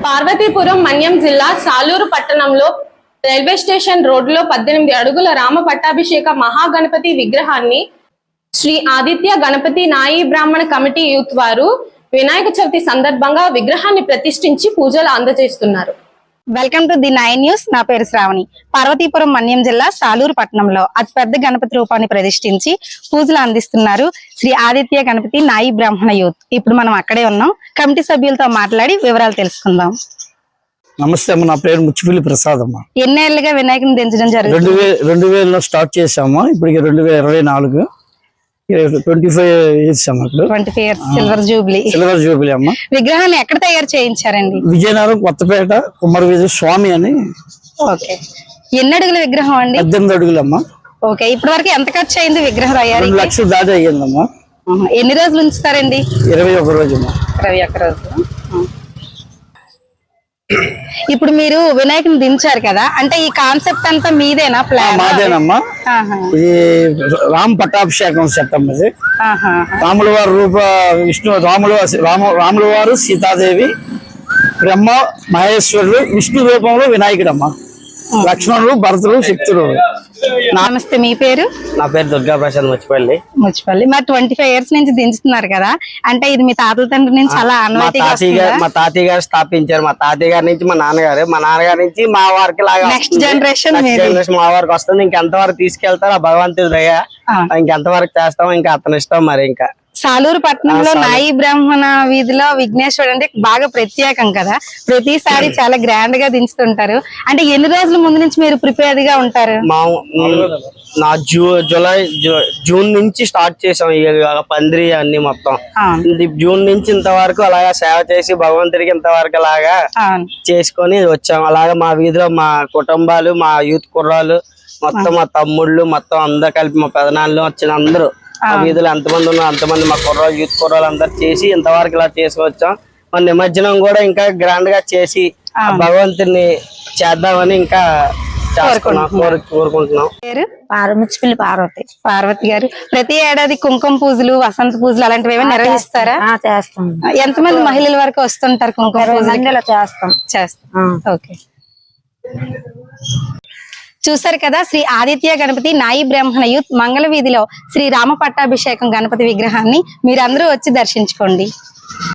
పార్వతీపురం మన్యం జిల్లా సాలూరు పట్టణంలో railway station రోడ్డులో 18 అడుగుల రామ పట్టాభిషేక మహాగణపతి విగ్రహాన్ని శ్రీ ఆదిత్య గణపతి నాయి బ్రాహ్మణ కమిటీ యూత్ వారు వినాయక చవితి సందర్భంగా విగ్రహాన్ని ప్రతిష్ఠించి పూజలు అందజేస్తున్నారు. Welcome to the 9 news. నా పేరు శ్రావణి. పార్వతీపురం మన్యం జిల్లా సాలూరు పట్టణంలో అతిపెద్ద గణపతి రూపాన్ని ప్రతిష్ఠించి పూజలు అందిస్తున్నారు శ్రీ ఆదిత్య గణపతి నాయి బ్రాహ్మణ యూత్. ఇప్పుడు మనం అక్కడే ఉన్నాం. కమిటీ సభ్యులతో మాట్లాడి వివరాలు తెలుసుకుందాం. నమస్తే అమ్మ, నా పేరు ముచ్చిపల్లి ప్రసాద్ అమ్మ. ఎన్నేళ్లుగా వినాయకుని దించడం జరుగుతుంది? 2000లో స్టార్ట్ చేసాము. ఇప్పటికి 2024 25 years అమ్మ. 25 years సిల్వర్ జూబ్లీ అమ్మ. విగ్రహాన్ని ఎక్కడ తయారు చేయించారండి? విజయనగరం కొత్తపేట కుమ్మరవీధి స్వామి అని. ఓకే, ఎన్ని అడుగుల విగ్రహం అండి? 18 అడుగులమ్మా. ఓకే, ఇప్పటి వరకు ఎంత ఖర్చు అయింది విగ్రహం తయారీ? 2 లక్షలు దాటి అయ్యిందమ్మా. ఎన్ని రోజులు ఉంచుతారండి? 21 రోజు. 21 రోజులు. ఇప్పుడు మీరు వినాయకుని దించారు కదా, అంటే ఈ కాన్సెప్ట్ అంతా మీదేనా? ప్లాన్ మాదేనమ్మా. ఇది రామ్ పట్టాభిషేకం చట్టం. ఇది రాముల వారి విష్ణు రాముల వారు సీతాదేవి, బ్రహ్మ మహేశ్వరుడు, విష్ణు రూపంలో వినాయకుడమ్మా, లక్ష్మణుడు, భరతుడు, శక్తుడు. నమస్తే, మీ పేరు? నా పేరు దుర్గా ప్రసాద్ ముచ్చిపల్లి. మరి 25 years నుంచి దించుతున్నారు కదా, అంటే ఇది మీ తాతల తండ్రి నుంచి అలా మా తాతయ్య గారు స్థాపించారు. మా తాతయ్య గారి నుంచి మా నాన్నగారి నుంచి మా వారికి లాగా నెక్స్ట్ జనరేషన్ మా వారికి వస్తుంది. ఇంకెంత వరకు తీసుకెళ్తారు ఆ భగవంతుడి దయ. ఇంకెంత వరకు చేస్తామో ఇంకా అతని ఇష్టం. మరి ఇంకా సాలూరు పట్టణంలో నాయి బ్రాహ్మణ వీధిలో విఘ్నేశ్వరుడు అంటే బాగా ప్రత్యేకం కదా, ప్రతిసారి చాలా గ్రాండ్ గా దించుతుంటారు. అంటే ఎన్ని రోజుల ముందు నుంచి మీరు ప్రిపేర్డ్ గా ఉంటారు? జూన్ నుంచి స్టార్ట్ చేసాం పందిరి అన్ని మొత్తం. జూన్ నుంచి ఇంతవరకు అలాగా సేవ చేసి భగవంతుడికి ఇంతవరకు అలాగా చేసుకొని వచ్చాం. అలాగా మా వీధిలో మా కుటుంబాలు, మా యూత్ కుర్రాలు మొత్తం, మా తమ్ముళ్ళు మొత్తం అందరు కలిపి, మా పెదనాళ్ళు వచ్చిన అందరూ ఆ వీధిలో ఎంతమంది ఉన్నా అంతమంది మా కుర్రాలు, యూత్ కుర్రాలు అందరు చేసి ఇంతవరకు ఇలా చేసుకొచ్చాం. మన నిమజ్జనం కూడా ఇంకా గ్రాండ్ గా చేసి భగవంతుని చేద్దామని ఇంకా కోరుకుంటున్నాం. ముచ్చిపల్లి పార్వతి గారు, ప్రతి ఏడాది కుంకుమ పూజలు, వసంత పూజలు అలాంటివి ఏమైనా నిర్వహిస్తారా? చేస్తాం. ఎంతమంది మహిళల వరకు వస్తుంటారు కుంకుమ పూజలు? చేస్తాం. ఓకే, చూసారు కదా, శ్రీ ఆదిత్య గణపతి నాయి బ్రాహ్మణ యూత్ మంగళ వీధిలో శ్రీ రామ పట్టాభిషేకం గణపతి విగ్రహాన్ని మీరందరూ వచ్చి దర్శించుకోండి.